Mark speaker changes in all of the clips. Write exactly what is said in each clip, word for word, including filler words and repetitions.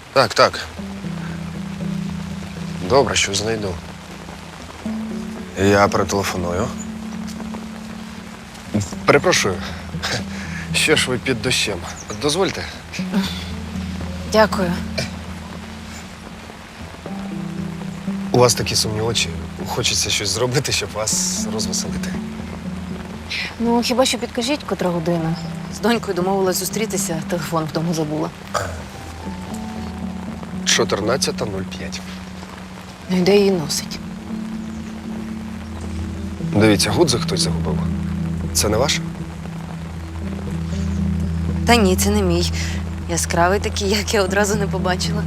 Speaker 1: Так, так. Добре, що знайду. Я перетелефоную. Перепрошую, що ж ви під дощем? Дозвольте.
Speaker 2: Дякую.
Speaker 1: У вас такі сумні очі. Хочеться щось зробити, щоб вас розвеселити.
Speaker 2: Ну, хіба що підкажіть, котра година. З донькою домовилась зустрітися, телефон вдома забула.
Speaker 1: чотирнадцята нуль п'ять.
Speaker 2: Ну і де її носить?
Speaker 1: Дивіться, гудзик хтось загубив. Це не ваше?
Speaker 2: Та ні, це не мій. Яскравий такий, як я одразу не побачила.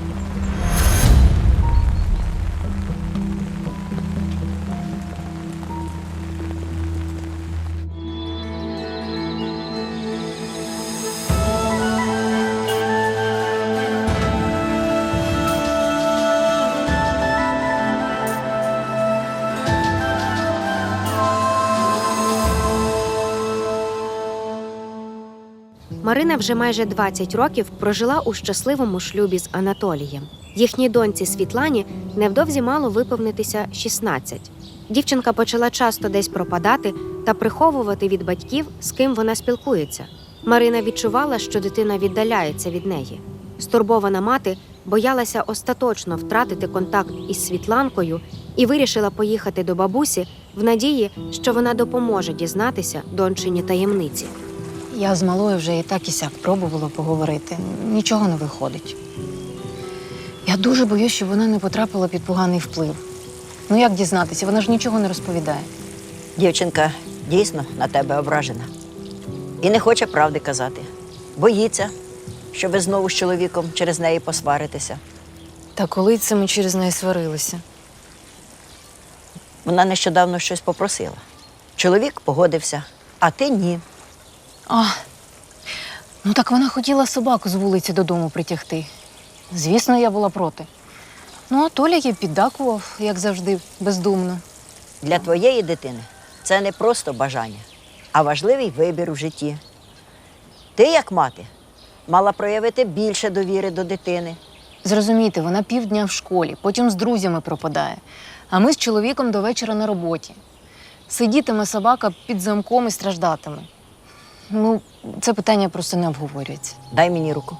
Speaker 3: Марина вже майже двадцять років прожила у щасливому шлюбі з Анатолієм. Їхній доньці Світлані невдовзі мало виповнитися шістнадцять. Дівчинка почала часто десь пропадати та приховувати від батьків, з ким вона спілкується. Марина відчувала, що дитина віддаляється від неї. Стурбована мати боялася остаточно втратити контакт із Світланкою і вирішила поїхати до бабусі в надії, що вона допоможе дізнатися дончині таємниці.
Speaker 2: Я з малою вже і так і сяк пробувала поговорити. Нічого не виходить. Я дуже боюсь, щоб вона не потрапила під поганий вплив. Ну як дізнатися? Вона ж нічого не розповідає.
Speaker 4: Дівчинка дійсно на тебе ображена. І не хоче правди казати. Боїться, що ви знову з чоловіком через неї посваритеся.
Speaker 2: Та коли це ми через неї сварилися?
Speaker 4: Вона нещодавно щось попросила. Чоловік погодився, а ти ні.
Speaker 2: А, ну так вона хотіла собаку з вулиці додому притягти. Звісно, я була проти. Ну, а Толя їй піддакував, як завжди, бездумно.
Speaker 4: Для твоєї дитини це не просто бажання, а важливий вибір у житті. Ти, як мати, мала проявити більше довіри до дитини.
Speaker 2: Зрозумійте, вона півдня в школі, потім з друзями пропадає. А ми з чоловіком до вечора на роботі. Сидітиме собака під замком і страждатиме. Ну, це питання просто не обговорюється.
Speaker 4: Дай мені руку.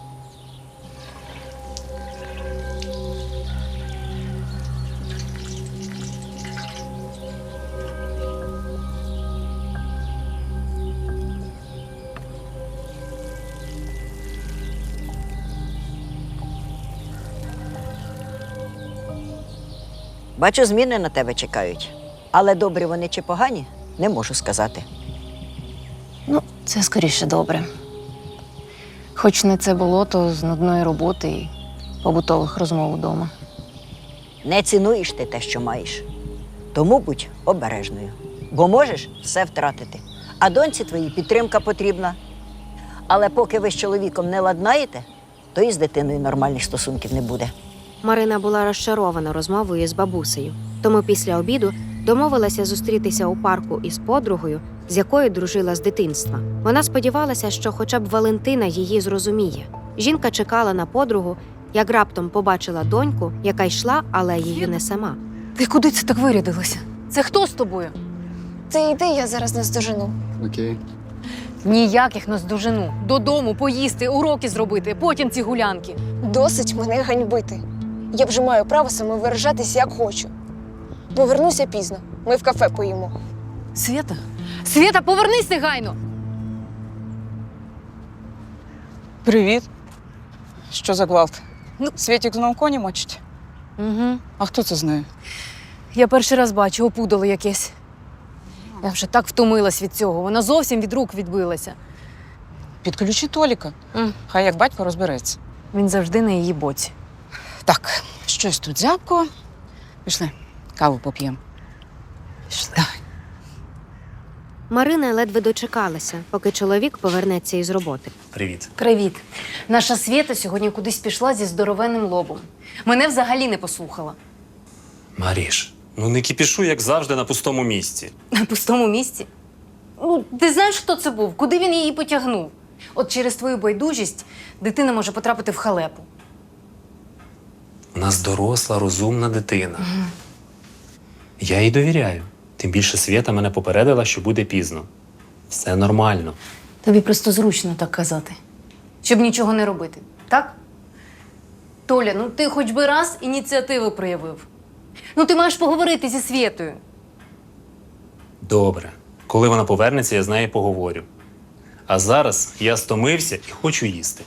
Speaker 4: Бачу, зміни на тебе чекають. Але добрі вони чи погані, не можу сказати.
Speaker 2: Ну, це скоріше добре. Хоч не це болото з нудної роботи і побутових розмов вдома.
Speaker 4: Не цінуєш ти те, що маєш. Тому будь обережною, бо можеш все втратити. А доньці твоїй підтримка потрібна. Але поки ви з чоловіком не ладнаєте, то і з дитиною нормальних стосунків не буде.
Speaker 3: Марина була розчарована розмовою з бабусею, тому після обіду домовилася зустрітися у парку із подругою, з якою дружила з дитинства. Вона сподівалася, що хоча б Валентина її зрозуміє. Жінка чекала на подругу, як раптом побачила доньку, яка йшла алеєю не сама.
Speaker 2: Ти куди це так вирядилася? Це хто з тобою?
Speaker 5: Ти йди, я зараз наздожену.
Speaker 1: Окей.
Speaker 2: Ніяких наздожену. Додому поїсти, уроки зробити, потім ці гулянки.
Speaker 5: Досить мене ганьбити. Я вже маю право самовиражатись, як хочу. Повернуся пізно. Ми в кафе поїмо.
Speaker 2: Свята? Свята, повернись негайно!
Speaker 6: Привіт. Що за гвалт?
Speaker 2: Ну-
Speaker 6: Світік знов коні мочить?
Speaker 2: Угу.
Speaker 6: А хто це знає?
Speaker 2: Я перший раз бачу, опудало якесь. Я вже так втомилась від цього. Вона зовсім від рук відбилася.
Speaker 6: Підключи Толіка.
Speaker 2: М.
Speaker 6: Хай як батько розбереться.
Speaker 2: Він завжди на її боці.
Speaker 6: Так, щось тут зябко. Пішли, каву поп'ємо.
Speaker 2: Пішли.
Speaker 6: Давай.
Speaker 3: Марина ледве дочекалася, поки чоловік повернеться із роботи.
Speaker 7: Привіт.
Speaker 2: Привіт. Наша Свєта сьогодні кудись пішла зі здоровенним лобом. Мене взагалі не послухала.
Speaker 7: Маріш, ну не кіпішуй, як завжди, на пустому місці.
Speaker 2: На пустому місці? Ну, ти знаєш, хто це був? Куди він її потягнув? От через твою байдужість дитина може потрапити в халепу.
Speaker 7: У нас доросла, розумна дитина. Я їй довіряю. Тим більше Свята мене попередила, що буде пізно. Все нормально.
Speaker 2: Тобі просто зручно так казати, щоб нічого не робити, так? Толя, ну ти хоч би раз ініціативу проявив. Ну ти маєш поговорити зі Свєтою.
Speaker 7: Добре. Коли вона повернеться, я з нею поговорю. А зараз я стомився і хочу їсти.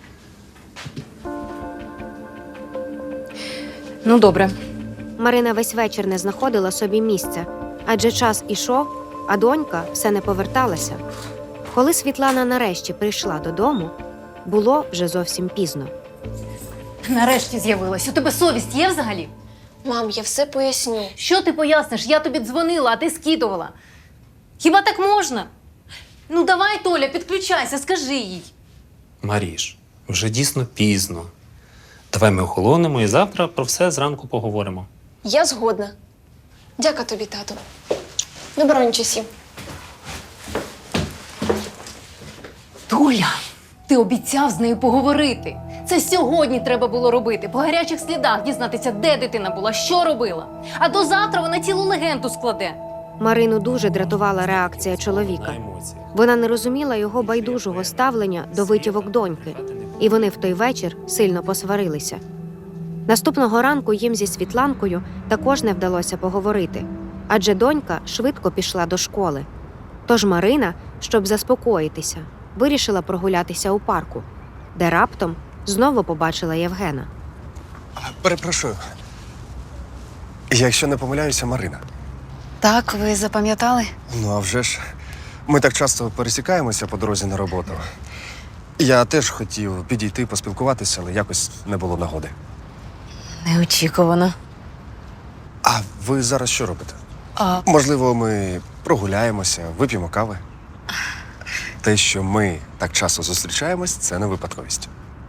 Speaker 2: Ну, добре.
Speaker 3: Марина весь вечір не знаходила собі місця, адже час ішов, а донька все не поверталася. Коли Світлана нарешті прийшла додому, було вже зовсім пізно.
Speaker 2: Нарешті з'явилась. У тебе совість є взагалі?
Speaker 5: Мам, я все поясню.
Speaker 2: Що ти поясниш? Я тобі дзвонила, а ти скидувала. Хіба так можна? Ну давай, Толя, підключайся, скажи їй.
Speaker 7: Маріш, вже дійсно пізно. Давай ми охолонемо і завтра про все зранку поговоримо.
Speaker 5: Я згодна. Дяка тобі, тату. Добраніч усім.
Speaker 2: Толя, ти обіцяв з нею поговорити. Це сьогодні треба було робити. По гарячих слідах дізнатися, де дитина була, що робила. А до завтра вона цілу легенду складе.
Speaker 3: Марину дуже дратувала реакція
Speaker 7: На
Speaker 3: чоловіка.
Speaker 7: емоціях.
Speaker 3: Вона не розуміла його байдужого ставлення до витівок доньки, і вони в той вечір сильно посварилися. Наступного ранку їм зі Світланкою також не вдалося поговорити, адже донька швидко пішла до школи. Тож Марина, щоб заспокоїтися, вирішила прогулятися у парку, де раптом знову побачила Євгена.
Speaker 1: Перепрошую. Якщо не помиляюся, Марина.
Speaker 2: Так, ви запам'ятали?
Speaker 1: Ну, а вже ж. Ми так часто пересікаємося по дорозі на роботу. Я теж хотів підійти, поспілкуватися, але якось не було нагоди.
Speaker 2: Неочікувано.
Speaker 1: А ви зараз що робите?
Speaker 2: А,
Speaker 1: Можливо, ми прогуляємося, вип'ємо кави. Те, що ми так часто зустрічаємось, це не випадковість.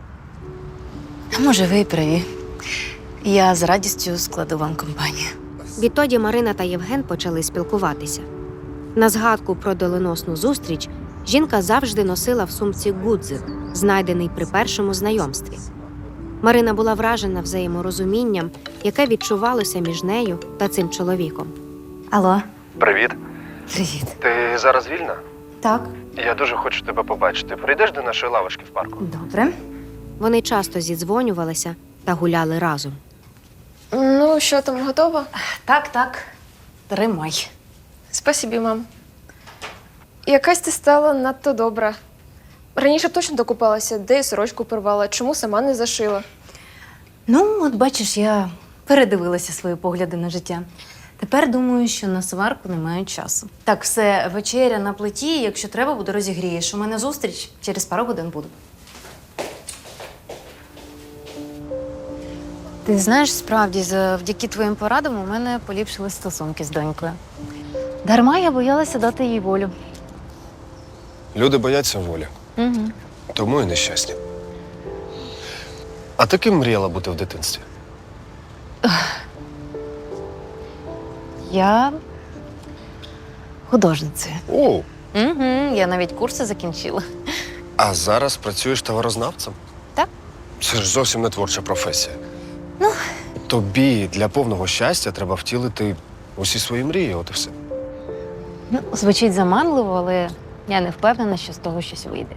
Speaker 2: може, ви і праві. Я з радістю складу вам компанію.
Speaker 3: Відтоді Марина та Євген почали спілкуватися. На згадку про доленосну зустріч жінка завжди носила в сумці гудзик, знайдений при першому знайомстві. Марина була вражена взаєморозумінням, яке відчувалося між нею та цим чоловіком.
Speaker 2: Алло.
Speaker 1: Привіт.
Speaker 2: Привіт.
Speaker 1: Ти зараз вільна?
Speaker 2: Так.
Speaker 1: Я дуже хочу тебе побачити. Прийдеш до нашої лавочки в парку?
Speaker 2: Добре.
Speaker 3: Вони часто зідзвонювалися та гуляли разом.
Speaker 5: Ну, що там, готова?
Speaker 2: Так, так. Тримай.
Speaker 5: Спасибі, мам. Якась ти стала надто добра. Раніше б точно докупалася, де я сорочку порвала, чому сама не зашила.
Speaker 2: Ну, от бачиш, я передивилася свої погляди на життя. Тепер думаю, що на сварку немає часу. Так, все, вечеря на плиті, якщо треба, буде розігрієш. У мене зустріч, через пару годин буду. Ти знаєш, справді, завдяки твоїм порадам у мене поліпшили стосунки з донькою. Дарма я боялася дати їй волю.
Speaker 1: Люди бояться волі,
Speaker 2: Угу.
Speaker 1: тому і нещасні. А ти ким мріяла бути в дитинстві?
Speaker 2: Я художницею.
Speaker 1: О,
Speaker 2: Угу. Я навіть курси закінчила.
Speaker 1: а зараз працюєш товарознавцем?
Speaker 2: Так.
Speaker 1: Це ж зовсім не творча професія.
Speaker 2: Ну.
Speaker 1: Тобі для повного щастя треба втілити усі свої мрії, от і все.
Speaker 2: Ну, звучить заманливо, але я не впевнена, що з того щось вийде.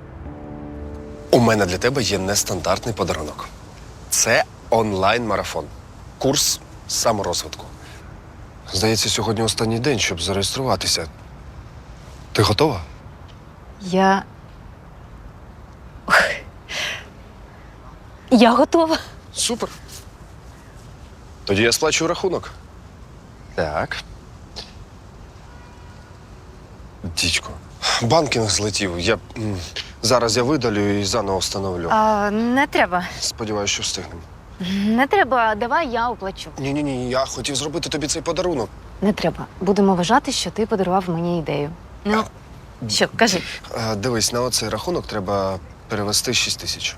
Speaker 1: У мене для тебе є нестандартний подарунок. Це онлайн-марафон. Курс саморозвитку. Здається, сьогодні останній день, щоб зареєструватися. Ти готова?
Speaker 2: Я. Ох. Я готова.
Speaker 1: Супер. Тоді я сплачу рахунок. Так. Дідько, банкінг злетів. Я... м, Зараз я видалю і заново встановлю.
Speaker 2: А, не треба.
Speaker 1: Сподіваюся, що встигнемо.
Speaker 2: Не треба, давай я оплачу.
Speaker 1: Ні-ні-ні, я хотів зробити тобі цей подарунок.
Speaker 2: Не треба. Будемо вважати, що ти подарував мені ідею. Ну, що, кажи.
Speaker 1: А, дивись, на оцей рахунок треба перевести шість тисяч.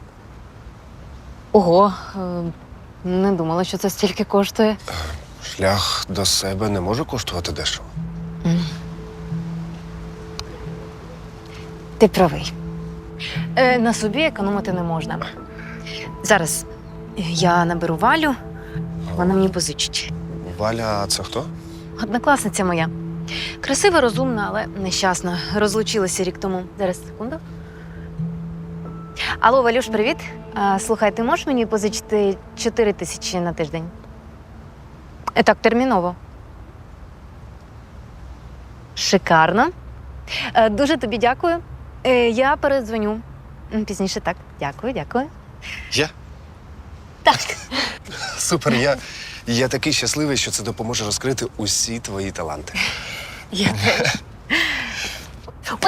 Speaker 2: Ого, е, не думала, що це стільки коштує.
Speaker 1: Шлях до себе не може коштувати дешево.
Speaker 2: Ти правий. Е, на собі економити не можна. Зараз Я наберу Валю, вона мені позичить.
Speaker 1: Валя, це хто?
Speaker 2: Однокласниця моя. Красива, розумна, але нещасна. Розлучилася рік тому. Зараз, секунду. Алло, Валюш, привіт. А, слухай, ти можеш мені позичити чотири тисячі на тиждень? Е, Так, терміново. Шикарно. Е, Дуже тобі дякую. Е, Я передзвоню. М, Пізніше так. Дякую, дякую.
Speaker 1: Я?
Speaker 2: Так.
Speaker 1: Супер, я, я такий щасливий, що це допоможе розкрити усі твої таланти.
Speaker 2: Я теж. Ой.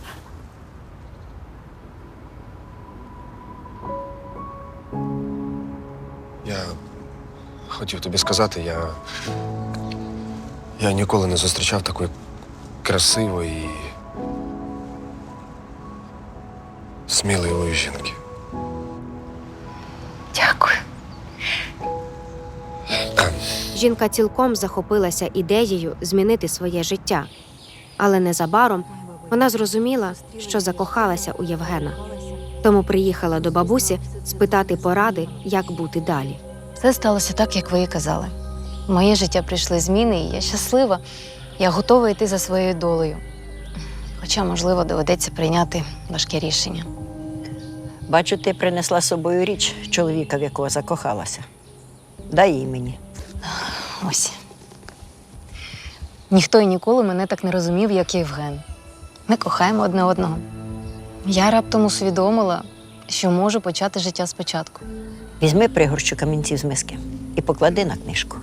Speaker 1: Я хотів тобі сказати, я. Я ніколи не зустрічав такої красивої, сміливої жінки.
Speaker 2: Дякую.
Speaker 3: Жінка цілком захопилася ідеєю змінити своє життя. Але незабаром вона зрозуміла, що закохалася у Євгена. Тому приїхала до бабусі спитати поради, як бути далі.
Speaker 2: Все сталося так, як ви і казали. В моє життя прийшли зміни, і я щаслива. Я готова йти за своєю долею. Хоча, можливо, доведеться прийняти важке рішення.
Speaker 4: Бачу, ти принесла з собою річ чоловіка, в якого закохалася. Дай її мені.
Speaker 2: Ось. Ніхто і ніколи мене так не розумів, як Євген. Ми кохаємо одне одного. Я раптом усвідомила, що можу почати життя спочатку.
Speaker 4: Візьми пригорщу камінців з миски і поклади на книжку.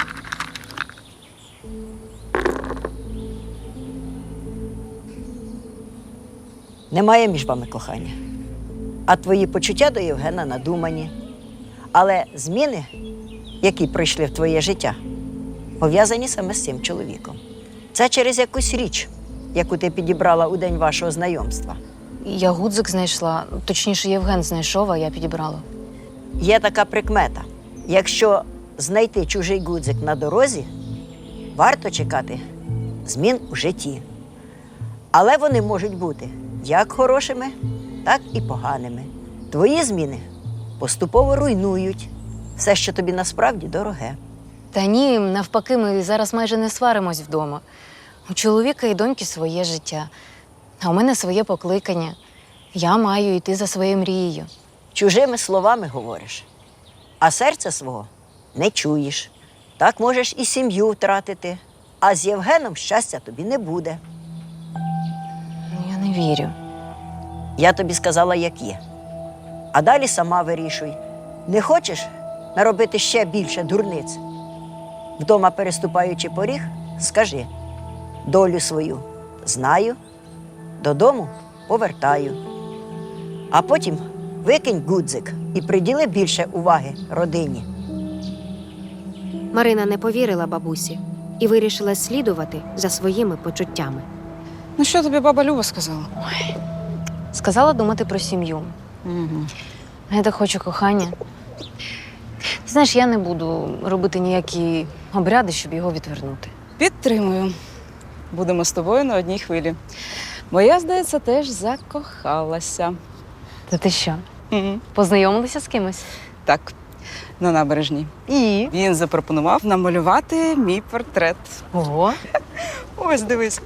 Speaker 4: Немає між вами кохання. А твої почуття до Євгена надумані. Але зміни, які прийшли в твоє життя, пов'язані саме з цим чоловіком. Це через якусь річ, яку ти підібрала у день вашого знайомства.
Speaker 2: Я гудзик знайшла, точніше, Євген знайшов, а я підібрала.
Speaker 4: Є така прикмета. Якщо знайти чужий гудзик на дорозі, варто чекати змін у житті. Але вони можуть бути як хорошими, так і поганими. Твої зміни поступово руйнують все, що тобі насправді дороге.
Speaker 2: Та ні, навпаки, ми зараз майже не сваримось вдома. У чоловіка і доньки своє життя, а у мене своє покликання. Я маю йти за своєю мрією.
Speaker 4: Чужими словами говориш, а серця свого не чуєш. Так можеш і сім'ю втратити, а з Євгеном щастя тобі не буде.
Speaker 2: Ну, я не вірю.
Speaker 4: Я тобі сказала, як є. А далі сама вирішуй. Не хочеш наробити ще більше дурниць? Вдома переступаючи поріг, скажи: долю свою знаю, додому повертаю. А потім викинь гудзик і приділи більше уваги родині.
Speaker 3: Марина не повірила бабусі і вирішила слідувати за своїми почуттями.
Speaker 6: Ну що тобі баба Люба сказала?
Speaker 2: Сказала думати про сім'ю.
Speaker 6: Угу.
Speaker 2: Я так хочу кохання. Ти знаєш, я не буду робити ніякі обряди, щоб його відвернути.
Speaker 6: Підтримую. Будемо з тобою на одній хвилі. Бо я, здається, теж закохалася.
Speaker 2: Та ти що,
Speaker 6: Угу.
Speaker 2: познайомилися з кимось?
Speaker 6: Так, на набережній.
Speaker 2: І?
Speaker 6: Він запропонував намалювати мій портрет.
Speaker 2: Ого.
Speaker 6: Ось, дивись.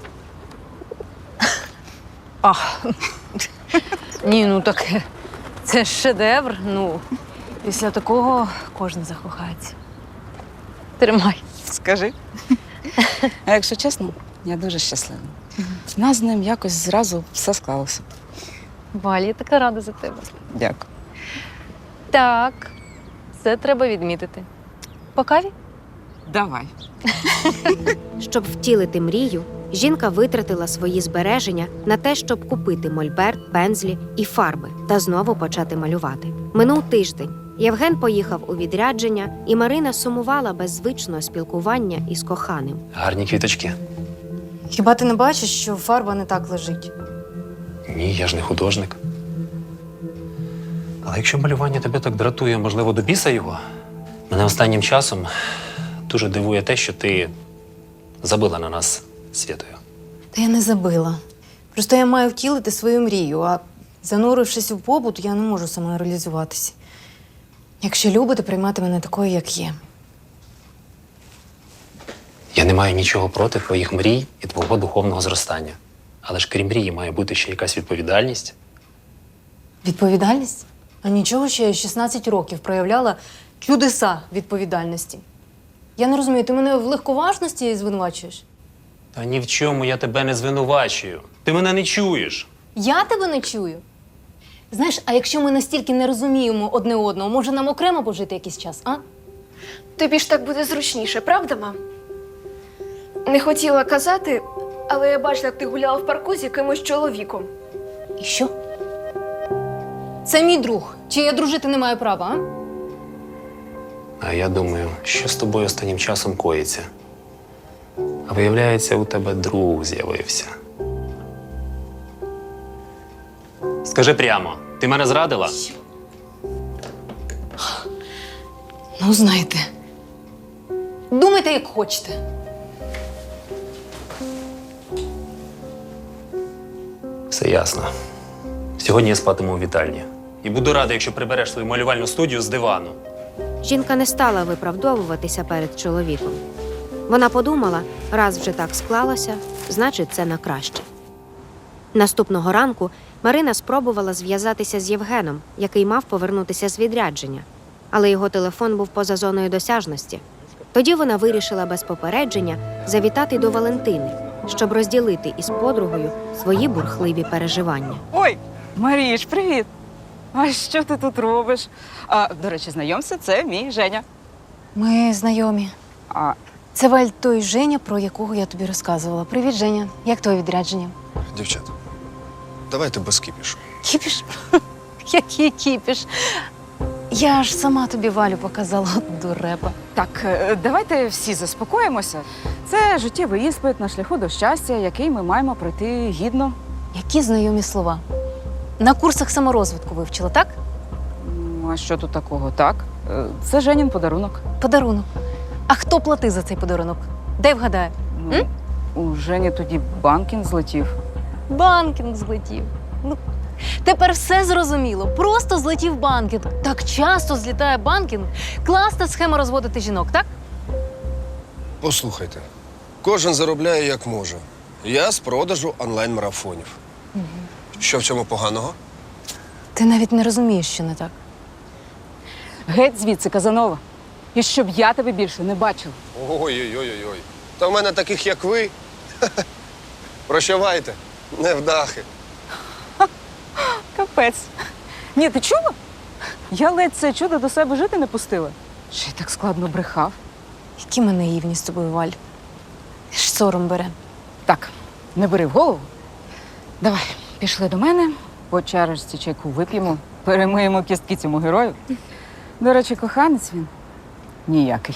Speaker 2: А. Ні, ну так це ж шедевр. Ну, після такого кожен закохається. Тримай.
Speaker 6: Скажи. А якщо чесно, я дуже щаслива. У нас з ним якось зразу все склалося.
Speaker 2: Валя, я така рада за тебе.
Speaker 6: Дякую.
Speaker 2: Так, це треба відмітити. По каві?
Speaker 6: Давай.
Speaker 3: Щоб втілити мрію, жінка витратила свої збереження на те, щоб купити мольберт, пензлі і фарби та знову почати малювати. Минув тиждень. Євген поїхав у відрядження, і Марина сумувала без звичного спілкування із коханим.
Speaker 7: Гарні квіточки.
Speaker 2: Хіба ти не бачиш, що фарба не так лежить?
Speaker 7: Ні, я ж не художник. Але якщо малювання тебе так дратує, можливо, до біса його, мене останнім часом дуже дивує те, що ти забила на нас Світою.
Speaker 2: Та я не забила. Просто я маю втілити свою мрію, а занурившись у побут, я не можу самореалізуватися. Якщо любите, приймати мене такою, як є.
Speaker 7: Я не маю нічого проти твоїх мрій і твого духовного зростання. Але ж крім мрії має бути ще якась відповідальність.
Speaker 2: Відповідальність? А нічого, що я шістнадцять років проявляла чудеса відповідальності. Я не розумію, ти мене в легковажності звинувачуєш?
Speaker 7: Та ні в чому я тебе не звинувачую. Ти мене не чуєш.
Speaker 2: Я тебе не чую. Знаєш, а якщо ми настільки не розуміємо одне одного, може нам окремо пожити якийсь час, а?
Speaker 5: Тобі ж так буде зручніше, правда, мам? Не хотіла казати, але я бачила, як ти гуляла в парку з якимось чоловіком.
Speaker 2: І що? Це мій друг. Чи я дружити не маю права, а?
Speaker 7: А я думаю, що з тобою останнім часом коїться. А виявляється, у тебе друг з'явився. Скажи прямо, ти мене зрадила?
Speaker 2: Ну, знаєте. Думайте, як хочете.
Speaker 7: Все ясно. Сьогодні я спатиму у вітальні. І буду радий, якщо прибереш свою малювальну студію з дивану.
Speaker 3: Жінка не стала виправдовуватися перед чоловіком. Вона подумала, раз вже так склалося, значить, це на краще. Наступного ранку Марина спробувала зв'язатися з Євгеном, який мав повернутися з відрядження. Але його телефон був поза зоною досяжності. Тоді вона вирішила без попередження завітати до Валентини, щоб розділити із подругою свої бурхливі переживання.
Speaker 6: Ой, Маріш, привіт! А що ти тут робиш? А, до речі, знайомся, це мій Женя.
Speaker 2: Ми знайомі.
Speaker 6: А,
Speaker 2: Це Валь той Женя, про якого я тобі розказувала. Привіт, Женя. Як твоє відрядження?
Speaker 1: Дівчата, давайте без кіпішу.
Speaker 2: Кіпіш? Який кіпіш? Я ж сама тобі Валю показала, от дурепа.
Speaker 6: так, е, давайте всі заспокоїмося. Це життєвий іспит на шляху до щастя, який ми маємо пройти гідно.
Speaker 2: Які знайомі слова. На курсах саморозвитку вивчила, так?
Speaker 6: М, А що тут такого? Так, е, це Женін подарунок.
Speaker 2: Подарунок. А хто платив за цей подарунок? Дай вгадаю.
Speaker 6: Ну, у Жені тоді банкін злетів.
Speaker 2: Банкінг злетів. Ну, тепер все зрозуміло. Просто злетів банкінг. Так часто злітає банкінг. Класна схема розводити жінок, так?
Speaker 1: Послухайте, кожен заробляє як може. Я з продажу онлайн-марафонів. Що в цьому поганого?
Speaker 2: Ти навіть не розумієш, що не так.
Speaker 6: Геть звідси, Казанова. І щоб я тебе більше не бачила.
Speaker 1: Ой-ой-ой-ой. Та в мене таких, як ви. Прощавайте, невдахи.
Speaker 6: Капець. Ні, ти чула? Я ледь це чудо до себе жити не пустила. Ще й так складно брехав.
Speaker 2: Які ми наївні з тобою, Валь. Аж сором бере.
Speaker 6: Так, не бери в голову. Давай, пішли до мене, по чарочці чайку вип'ємо, перемиємо кістки цьому герою. До речі, коханець він ніякий.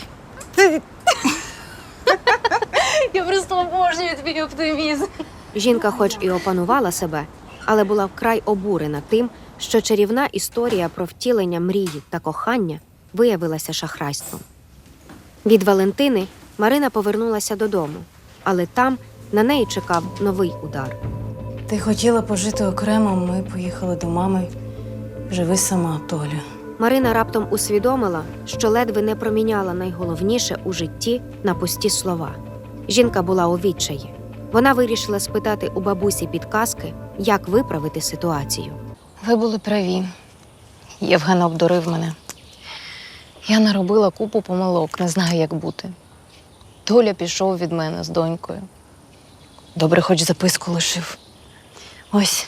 Speaker 2: Я просто обожнюю твій оптимізм.
Speaker 3: Жінка хоч і опанувала себе, але була вкрай обурена тим, що чарівна історія про втілення мрії та кохання виявилася шахрайством. Від Валентини Марина повернулася додому, але там на неї чекав новий удар.
Speaker 2: Ти хотіла пожити окремо, ми поїхали до мами. Живи сама, Толя.
Speaker 3: Марина раптом усвідомила, що ледве не проміняла найголовніше у житті на пусті слова. Жінка була у відчаї. Вона вирішила спитати у бабусі підказки, як виправити ситуацію.
Speaker 2: Ви були праві. Євген обдурив мене. Я наробила купу помилок, не знаю, як бути. Толя пішов від мене з донькою. Добре, хоч записку лишив. Ось.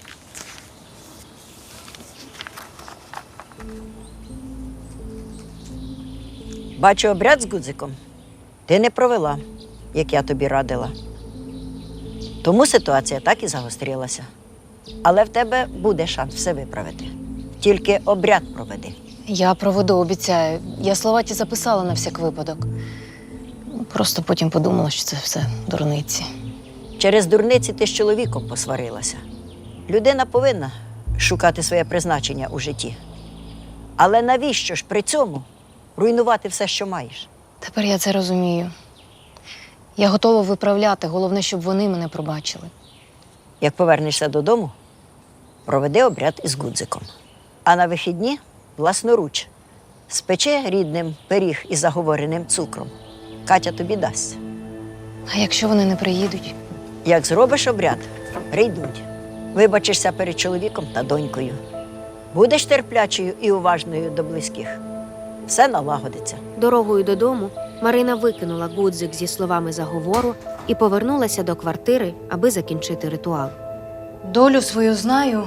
Speaker 4: Бачу, обряд з гудзиком ти не провела, як я тобі радила. Тому ситуація так і загострилася. Але в тебе буде шанс все виправити. Тільки обряд проведи.
Speaker 2: Я проведу, обіцяю. Я слова ті записала на всяк випадок. Просто потім подумала, що це все дурниці.
Speaker 4: Через дурниці ти з чоловіком посварилася. Людина повинна шукати своє призначення у житті. Але навіщо ж при цьому руйнувати все, що маєш?
Speaker 2: Тепер я це розумію. Я готова виправляти, головне, щоб вони мене пробачили.
Speaker 4: Як повернешся додому, проведи обряд із гудзиком. А на вихідні власноруч Спечи рідним пиріг із заговореним цукром. Катя тобі дасть.
Speaker 2: А якщо вони не приїдуть?
Speaker 4: Як зробиш обряд, прийдуть. Вибачишся перед чоловіком та донькою. Будеш терплячою і уважною до близьких. Все налагодиться.
Speaker 3: Дорогою додому Марина викинула гудзик зі словами заговору і повернулася до квартири, аби закінчити ритуал.
Speaker 2: Долю свою знаю.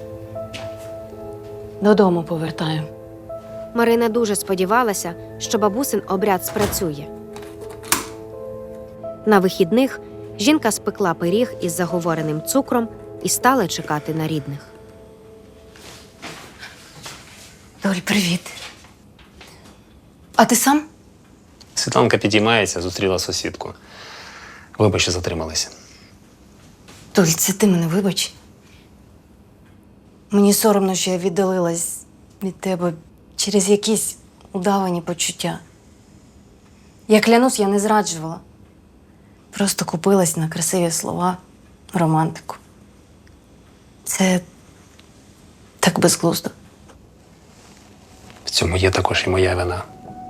Speaker 2: Додому повертаю.
Speaker 3: Марина дуже сподівалася, що бабусин обряд спрацює. На вихідних жінка спекла пиріг із заговореним цукром і стала чекати на рідних.
Speaker 2: Доль, привіт. А ти сам?
Speaker 7: Світланка підіймається, зустріла сусідку. Вибач, що затрималися.
Speaker 2: Доль, це ти мене вибач. Мені соромно, що я віддалилась від тебе через якісь удавані почуття. Я клянусь, я не зраджувала. Просто купилась на красиві слова, романтику. Це так безглуздо.
Speaker 7: В цьому є також і моя вина.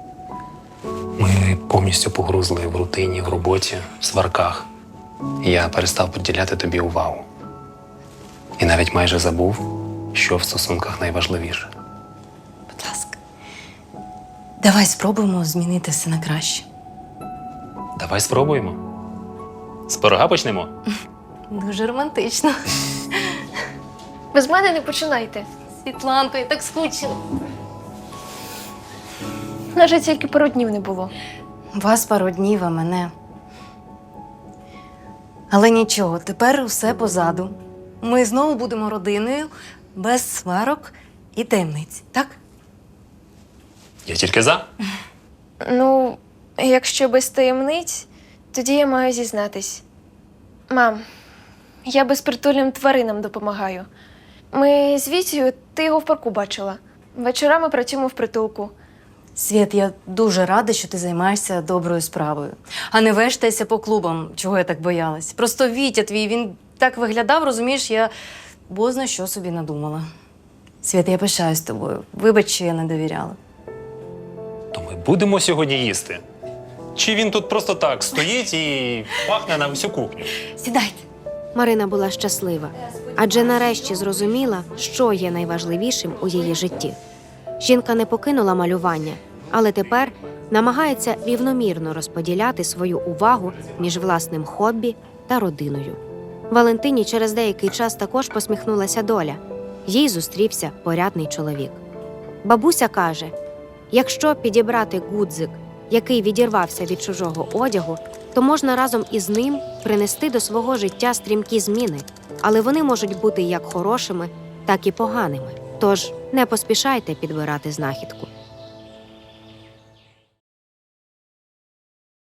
Speaker 7: Ми повністю погрузли в рутині, в роботі, в сварках. І я перестав приділяти тобі увагу. І навіть майже забув, що в стосунках найважливіше.
Speaker 2: Будь ласка, давай спробуємо змінити все на краще.
Speaker 7: Давай спробуємо. З пирога почнемо?
Speaker 2: Дуже романтично.
Speaker 5: Без мене не починайте.
Speaker 2: Світланко, я так скучила.
Speaker 5: Навіть тільки пару днів не було.
Speaker 2: Вас пару днів, а мене. Але нічого, тепер все позаду. Ми знову будемо родиною, без сварок і таємниць, так?
Speaker 7: Я тільки за.
Speaker 5: Ну, якщо без таємниць, тоді я маю зізнатись. Мам, я безпритульним тваринам допомагаю. Ми з Вітєю, ти його в парку бачила. Вечорами працюємо в притулку.
Speaker 2: Світ, я дуже рада, що ти займаєшся доброю справою, а не вештайся по клубам, чого я так боялась. Просто Вітя твій, він так виглядав, розумієш, я бозна що собі надумала. Світ, я пишаюсь тобою. Вибач, що я не довіряла.
Speaker 7: То ми будемо сьогодні їсти? Чи він тут просто так стоїть і пахне на всю кухню?
Speaker 2: Сідайте.
Speaker 3: Марина була щаслива, адже нарешті зрозуміла, що є найважливішим у її житті. Жінка не покинула малювання, але тепер намагається рівномірно розподіляти свою увагу між власним хобі та родиною. Валентині через деякий час також посміхнулася доля. Їй зустрівся порядний чоловік. Бабуся каже, якщо підібрати гудзик, який відірвався від чужого одягу, то можна разом із ним принести до свого життя стрімкі зміни, але вони можуть бути як хорошими, так і поганими. Тож не поспішайте підбирати знахідку.